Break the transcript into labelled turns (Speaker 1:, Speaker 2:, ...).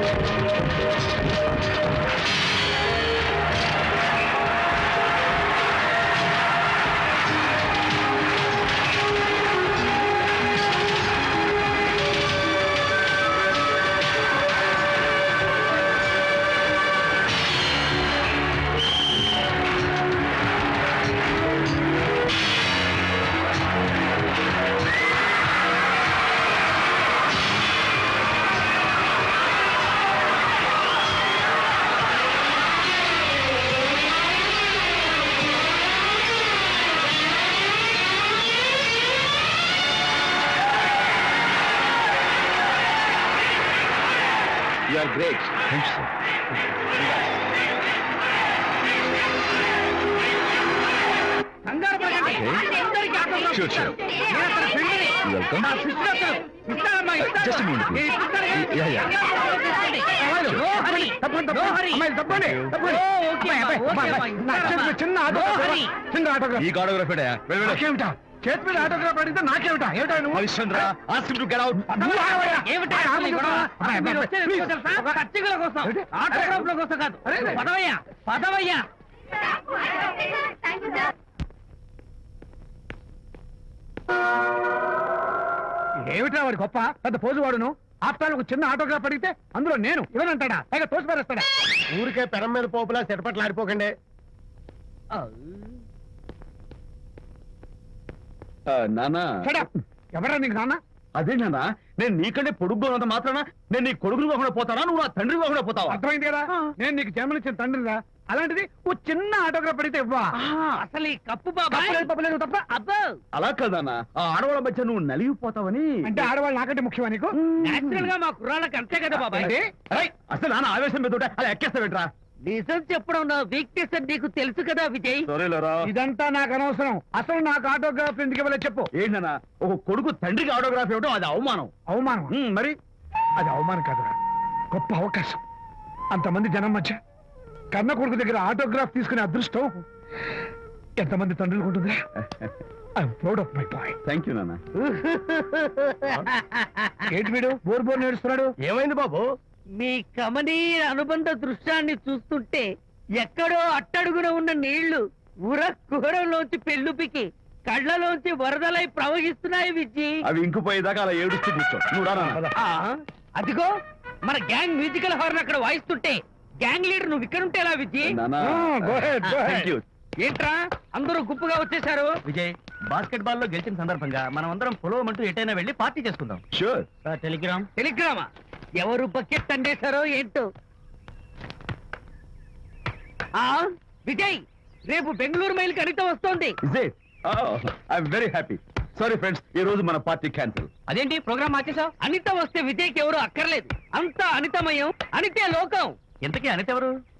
Speaker 1: You are great. Thank you, sir. Okay. Sure, sure. Welcome. Just a minute, please. Yeah, yeah. ఈ autograph చేతి మీద autograph అడిగితే నాకేమిటా ఏమిటా నువ్వు Harishchandra ask him to get out ఏమిటా వాడి గొప్ప పెద్ద పోజు వాడును ఆఫ్టర్ ఒక చిన్న ఆటోగ్రాఫ్ అడిగితే అందులో నేను ఇవ్వనంటాడా పైగా తోసి పారేస్తాడా ఊరికే పెరం మీద పోపులా చెరపట్లు ఆడిపోకండి నానా ఎవరా నీకు నాన్న అదే నాన్న నేను నీకంటే పొడుగ్గా ఉన్నంత మాత్రాన నేను నీ కొడుకులు కాకుండా పోతానా నువ్వు నా తండ్రి కాకుండా పోతావా అర్థమైంది కదా నేను నీకు జన్మనిచ్చిన తండ్రిరా అలాంటిది ఓ చిన్న ఆటోగ్రాఫ్ అడిగితే ఇవ్వా
Speaker 2: అసలు ఈ కప్పు బాబా
Speaker 1: తప్ప అలా కదన్నా ఆ ఆడవాళ్ళ మధ్య నువ్వు నలిగిపోతావని
Speaker 2: అంటే ఆడవాళ్ళు నాకంటే ముఖ్యమా నీకు నేచురల్ గా మా కుర్రాళ్ళకి అంతే కదా బాబాయ్
Speaker 1: అసలు నాన్న ఆవేశం మీద అలా ఎక్కేస్తావేంట్రా
Speaker 2: నిజం చెప్పడం నా వీక్నెస్ అని నీకు తెలుసు కదా విజయ్
Speaker 1: ఇదంతా నాకు అనవసరం అసలు నాకు ఆటోగ్రాఫ్ ఎందుకు ఇవ్వలేదు చెప్పు ఏంటన్నా ఒక కొడుకు తండ్రికి ఆటోగ్రాఫ్ ఇవ్వడం అది అవమానం
Speaker 2: అవమానం
Speaker 1: మరి
Speaker 2: అది అవమానం కాదురా గొప్ప అవకాశం అంతమంది జనం మధ్య కన్న కొడుకు దగ్గర ఆటోగ్రాఫ్ తీసుకునే అదృష్టం ఎంతమంది తండ్రులకు ఉంటుందా I'm proud of my boy
Speaker 1: thank you నాన్న
Speaker 2: ఏంటి వీడు బోర్ బోర్ నేడుస్తున్నాడు
Speaker 1: ఏమైంది బాబు
Speaker 3: మీ కమనీయ అనుబంధ దృశ్యాన్ని చూస్తుంటే ఎక్కడో అట్టడుగున ఉన్న నీళ్లు ఉర కుహరంలోంచి పెళ్ళుపికి కళ్ళలోంచి వరదలై ప్రవహిస్తున్నాయి విజ్జి
Speaker 1: అవి ఇంకుపోయేదాకా అలా ఏడుస్తూ కూర్చో నువ్వు రా
Speaker 3: అదిగో మన గ్యాంగ్ మ్యూజికల్ హార్న్ అక్కడ వాయిస్తుంటే గ్యాంగ్ లీడర్ నువ్వు ఇక్కడ ఉంటే ఎలా విజ్జి ఏంట్రా అందరూ గుంపుగా వచ్చేసారు
Speaker 2: విజయ్ బాస్కెట్ బాల్ లో గెలిచిన సందర్భంగా మనం అందరం పొలవమంటూ ఎటైనా వెళ్ళి పార్టీ చేసుకుందాం
Speaker 1: షూర్
Speaker 3: టెలిగ్రామా ఎవరు బకెట్ అండేశారో ఏంటో విజయ్ రేపు బెంగళూరు మైల్ అనిత వస్తోంది
Speaker 1: వెరీ హ్యాపీ సారీ ఫ్రెండ్స్ ఈ రోజు మన పార్టీ క్యాన్సిల్
Speaker 3: అదేంటి ప్రోగ్రామ్ మార్చేసావు అనిత వస్తే విజయ్కి ఎవరు అక్కర్లేదు అంతా అనితమయం అనితే లోకం
Speaker 2: ఇంతకీ అనిత ఎవరు